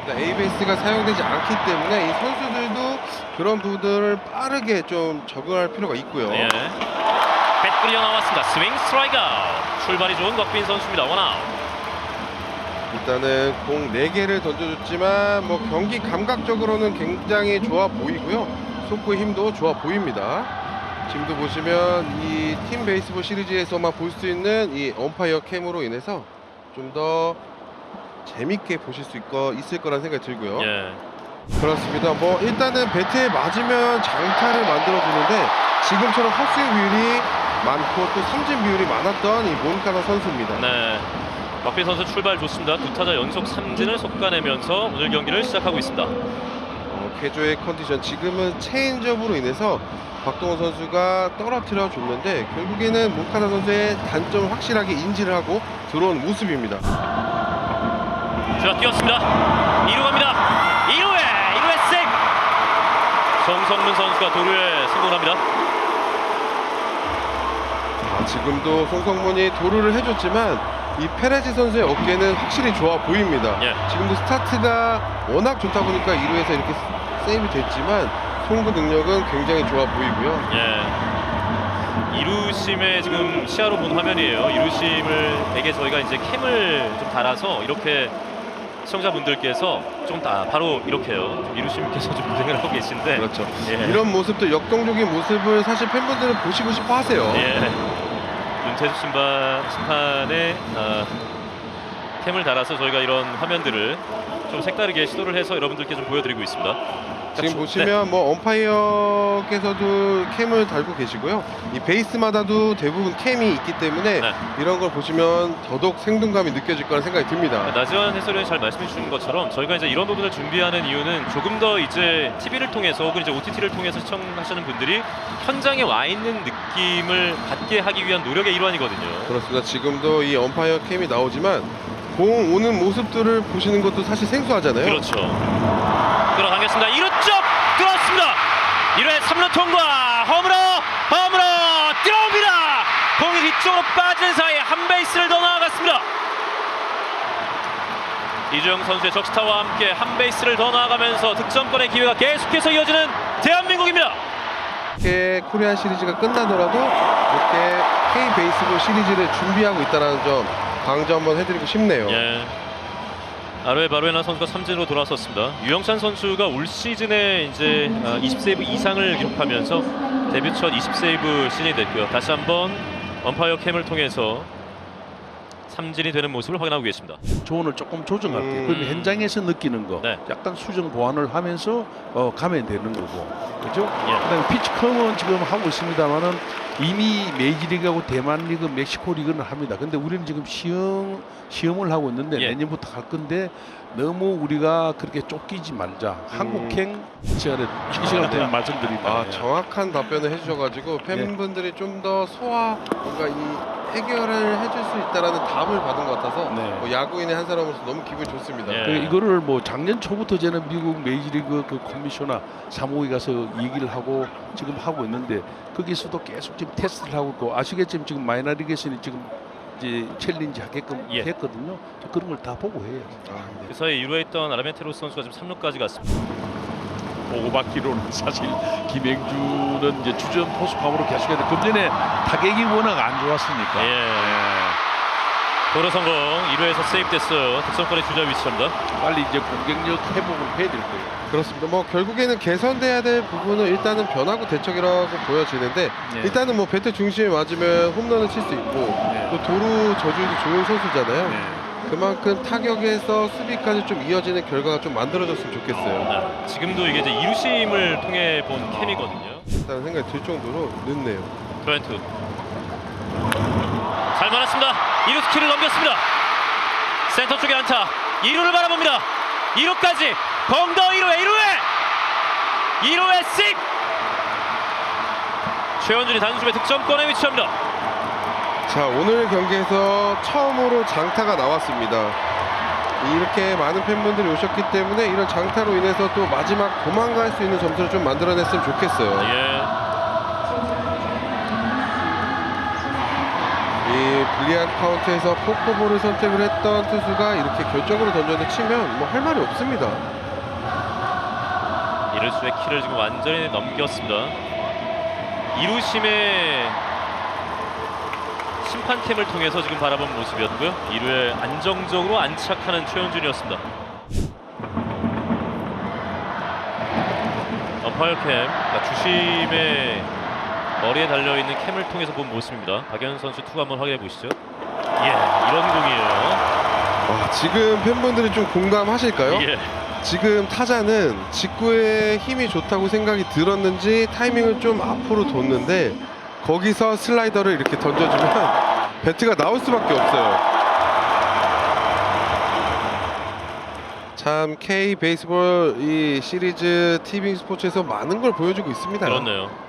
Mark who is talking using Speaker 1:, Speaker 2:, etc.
Speaker 1: ABS가 사용되지 않기 때문에 이 선수들도 그런 부분들을 빠르게 좀 적응할 필요가 있고요.
Speaker 2: 예. 뱃 끌려 나왔습니다. 스윙 스트라이크 아웃. 출발이 좋은 곽빈 선수입니다. 원아웃.
Speaker 1: 일단은 공 4개를 던져줬지만 뭐 경기 감각적으로는 굉장히 좋아 보이고요. 속구의 힘도 좋아 보입니다. 지금도 보시면 이 팀 베이스볼 시리즈에서만 볼 수 있는 이 엄파이어 캠으로 인해서 좀 더 재밌게 보실 수 있을 거란 생각이 들고요.
Speaker 2: 예.
Speaker 1: 그렇습니다. 뭐 일단은 배트에 맞으면 장타를 만들어주는데 지금처럼 헛스윙 비율이 많고 또 삼진 비율이 많았던 이 몬카나 선수입니다.
Speaker 2: 네. 곽빈 선수 출발 좋습니다. 두 타자 연속 삼진을 솎아내면서 오늘 경기를 시작하고 있습니다.
Speaker 1: 캐조의 컨디션 지금은 체인지업으로 인해서 박동원 선수가 떨어뜨려 줬는데 결국에는 몬카나 선수의 단점을 확실하게 인지를 하고 들어온 모습입니다.
Speaker 2: 자, 뛰었습니다. 2루 갑니다. 2루에 생. 정성문 선수가 도루에 성공합니다.
Speaker 1: 지금도 송성문이 도루를 해줬지만 이 페레즈 선수의 어깨는 확실히 좋아 보입니다.
Speaker 2: 예.
Speaker 1: 지금도 스타트가 워낙 좋다 보니까 2루에서 이렇게 세이브 됐지만 송구 능력은 굉장히 좋아 보이고요.
Speaker 2: 예. 이루심의 지금 시야로 본 화면이에요. 이루심에게 저희가 이제 캠을 좀 달아서 이렇게 시청자분들께서 좀 바로 이렇게요. 이루심께서 좀 고생을 하고 계신데.
Speaker 1: 그렇죠.
Speaker 2: 예.
Speaker 1: 이런 모습도 역동적인 모습을 사실 팬분들은 보시고 싶어 하세요.
Speaker 2: 예. 윤태수 심판의 캠을 달아서 저희가 이런 화면들을 좀 색다르게 시도를 해서 여러분들께 좀 보여드리고 있습니다.
Speaker 1: 지금 보시면 뭐 엄파이어께서도 캠을 달고 계시고요. 이 베이스마다도 대부분 캠이 있기 때문에
Speaker 2: 네.
Speaker 1: 이런 걸 보시면 더더욱 생동감이 느껴질 거라는 생각이 듭니다.
Speaker 2: 나지원 해설위원이 잘 말씀해 주신 것처럼 저희가 이제 이런 부분을 준비하는 이유는 조금 더 이제 TV를 통해서 혹은 이제 OTT를 통해서 시청하시는 분들이 현장에 와 있는 느낌을 받게 하기 위한 노력의 일환이거든요.
Speaker 1: 그렇습니다. 지금도 이 엄파이어 캠이 나오지만 공 오는 모습들을 보시는 것도 사실 생소하잖아요.
Speaker 2: 그렇죠. 들어가겠습니다. 2루 쪽 들어왔습니다. 1회 3루 통과. 홈으로 뛰어옵니다. 공이 뒤쪽으로 빠진 사이에 한 베이스를 더 나아갔습니다. 이주영 선수의 적시타와 함께 한 베이스를 더 나아가면서 득점권의 기회가 계속해서 이어지는 대한민국입니다.
Speaker 1: 이렇게 코리안 시리즈가 끝나더라도 이렇게 K 베이스볼 시리즈를 준비하고 있다는 점 강조 한번 해드리고 싶네요.
Speaker 2: 예. 아로에 바로에나 선수가 삼진으로 돌아섰습니다. 유영찬 선수가 올 시즌에 이제 20세이브 이상을 기록하면서 데뷔 첫 20세이브 시즌이 됐고요. 다시 한번 엄파이어 캠을 통해서 삼진이 되는 모습을 확인하고 계십니다.
Speaker 3: 조언을 조금 조정할게요. 그러면 현장에서 느끼는 거
Speaker 2: 네.
Speaker 3: 약간 수정 보완을 하면서 가면 되는 거고, 그렇죠?
Speaker 2: 예.
Speaker 3: 그다음에 피치컴은 지금 하고 있습니다만은 이미 메이저리그하고 대만리그, 멕시코리그는 합니다. 근데 우리는 지금 시험을 하고 있는데
Speaker 2: 예.
Speaker 3: 내년부터 할 건데 너무 우리가 그렇게 쫓기지 말자. 한국행 시간에 이 시간 되면 말씀드립니다.
Speaker 1: 정확한 답변을 해주셔가지고 팬분들이 좀 더 뭔가 이 해결을 해줄 수 있다라는 답을 받은 것 같아서
Speaker 3: 네.
Speaker 1: 뭐 야구인의 한 사람으로서 너무 기분이 좋습니다.
Speaker 2: 예.
Speaker 3: 그 이거를 뭐 작년 초부터 저는 미국 메이저리그 그 커미셔너 사무국에 가서 얘기를 하고 지금 하고 있는데 거기서도 계속 지금 테스트를 하고 있고 아시겠지만 지금 마이너리그에서는 지금 이제 챌린지 하게끔
Speaker 2: 예.
Speaker 3: 했거든요. 그런 걸 다 보고 해요.
Speaker 1: 네.
Speaker 2: 그 사이에 1루에 있던 아르멘테로스 선수가 지금 3루까지 갔습니다.
Speaker 3: 보고 받기로는 사실 김행주는 이제 주전 포수감으로 계속해서 금년에 타격이 워낙 안 좋았으니까.
Speaker 2: 예. 도루 성공. 1루에서 세이브 됐어요. 득점권의 주자 위치입니다.
Speaker 3: 빨리 이제 공격력 회복을 해야 될 거예요.
Speaker 1: 그렇습니다. 뭐 결국에는 개선돼야 될 부분은 일단은 변화구 대척이라고 보여지는데
Speaker 3: 네.
Speaker 1: 일단은 뭐 배트 중심에 맞으면 홈런을 칠 수 있고
Speaker 3: 네.
Speaker 1: 또 도루 저주도 좋은 선수잖아요.
Speaker 3: 네.
Speaker 1: 그만큼 타격에서 수비까지 좀 이어지는 결과가 좀 만들어졌으면 좋겠어요.
Speaker 2: 네. 지금도 이게 이제 이루심을 통해 본 캠이거든요.
Speaker 1: 일단 생각이 들 정도로 늦네요.
Speaker 2: 트렌트 잘 맞았습니다. 2루 스킬을 넘겼습니다. 센터 쪽에 안타. 2루를 바라봅니다. 2루까지 공더 2루에 씩 최원준이 단숨에 득점권에 위치합니다.
Speaker 1: 자, 오늘 경기에서 처음으로 장타가 나왔습니다. 이렇게 많은 팬분들이 오셨기 때문에 이런 장타로 인해서 또 마지막 도망갈 수 있는 점수를 좀 만들어냈으면 좋겠어요.
Speaker 2: 예.
Speaker 1: 이 불리한 카운트에서 포크볼을 선택을 했던 투수가 이렇게 결정으로 던져서 치면 뭐 할 말이 없습니다.
Speaker 2: 이루수의 키를 지금 완전히 넘겼습니다. 이루심의 심판캠을 통해서 지금 바라본 모습이었고요. 2루에 안정적으로 안착하는 최현준이었습니다. 엄파이어 캠, 그러니까 주심의 머리에 달려있는 캠을 통해서 본 모습입니다. 박현 선수 투구 한번 확인해 보시죠. 예, 이런 공이에요.
Speaker 1: 와, 지금 팬분들이 좀 공감하실까요?
Speaker 2: 예.
Speaker 1: 지금 타자는 직구에 힘이 좋다고 생각이 들었는지 타이밍을 좀 앞으로 뒀는데 거기서 슬라이더를 이렇게 던져주면 배트가 나올 수밖에 없어요. 참 K 베이스볼 이 시리즈 TV 스포츠에서 많은 걸 보여주고 있습니다.
Speaker 2: 그렇네요.